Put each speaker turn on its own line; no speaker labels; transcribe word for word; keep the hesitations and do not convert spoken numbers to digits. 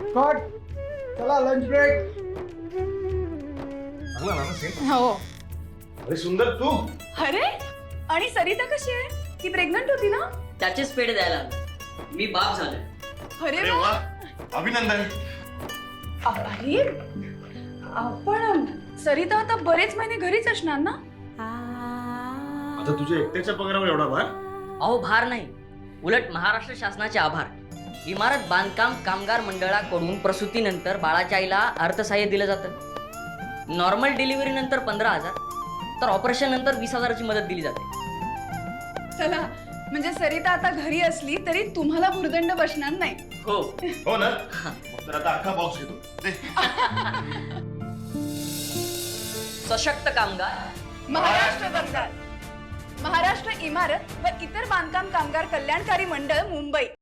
Cut. चला lunch break.
चांगला ना सेम.
हो.
अरे सुंदर तू.
अरे आणि सरिता कशी आहे? ती प्रेग्नंट होती ना?
त्याचेच पेढे द्यायला आलो. मी बाप झालोय.
अरे
अरे वा अभिनंदन.
अरे आपण सरिता आता बरेच महिने घरीच असणार ना?
आता तुझ्या एकट्याच्या पगारावर एवढा भार.
अहो भार नाही, उलट महाराष्ट्र शासनाचे आभार. इमारत बांधकाम कामगार मंडळाकडून प्रसूतीनंतर बाळाच्या आईला अर्थसहाय्य दिलं जातं. नॉर्मल डिलिव्हरी नंतर पंधरा हजार तर ऑपरेशन नंतर वीस हजाराची मदत दिली जाते.
चला म्हणजे सरिता आता घरी असली तरी तुम्हाला भुर्दंड बसणार नाही.
हो
हो ना. मग तर आता अख्खा बॉक्स घेतो दे.
सशक्त कामगार
महाराष्ट्र बंगाल, महाराष्ट्र इमारत व इतर बांधकाम कामगार कल्याणकारी मंडळ मुंबई.